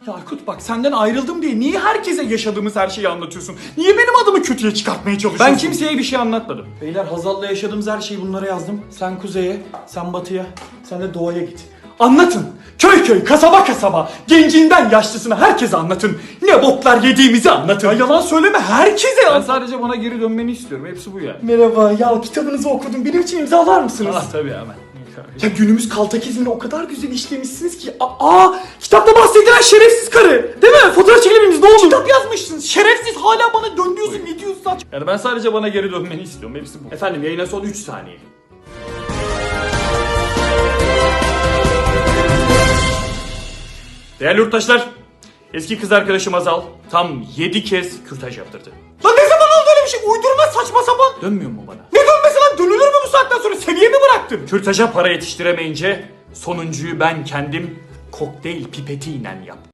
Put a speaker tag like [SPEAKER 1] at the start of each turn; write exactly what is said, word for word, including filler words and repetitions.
[SPEAKER 1] Ya Aykut bak senden ayrıldım diye niye herkese yaşadığımız her şeyi anlatıyorsun? Niye benim adımı kötüye çıkartmaya çalışıyorsun?
[SPEAKER 2] Ben kimseye bir şey anlatmadım.
[SPEAKER 1] Beyler Hazal'la yaşadığımız her şeyi bunlara yazdım. Sen kuzeye, sen batıya, sen de doğaya git. Anlatın. Köy köy, kasaba kasaba, gencinden yaşlısına herkese anlatın. Ne boklar yediğimizi anlatın. Ya yalan söyleme herkese
[SPEAKER 2] Ben
[SPEAKER 1] anlat.
[SPEAKER 2] sadece bana geri dönmeni istiyorum. Hepsi bu yani.
[SPEAKER 1] Merhaba ya kitabınızı okudum. Benim için imzalar mısınız?
[SPEAKER 2] Ah tabii hemen.
[SPEAKER 1] Ya günümüz kaltakizmini o kadar güzel işlemişsiniz ki. Aa, kitapta bahsedilen şerefsiz karı. Değil mi? Fotoğraf çekebiliriz ne olur. Kitap yazmışsınız. Şerefsiz hala bana dön diyorsun. Ne diyorsun saç?
[SPEAKER 2] Yani ben sadece bana geri dönmeni istiyorum. Hepsi bu.
[SPEAKER 1] Efendim yayına son üç saniye.
[SPEAKER 2] Değerli yurttaşlar, eski kız arkadaşım Azal tam yedi kez kürtaj yaptırdı.
[SPEAKER 1] Lan ne zaman oldu öyle bir şey? Uydurma saçma sapan.
[SPEAKER 2] Dönmüyor mu bana?
[SPEAKER 1] Ne dönmesi lan? Dönülür mü bu saatten sonra? Seviye mi bıraktın?
[SPEAKER 2] Kürtaja para yetiştiremeyince sonuncuyu ben kendim kokteyl pipetiyle yaptım.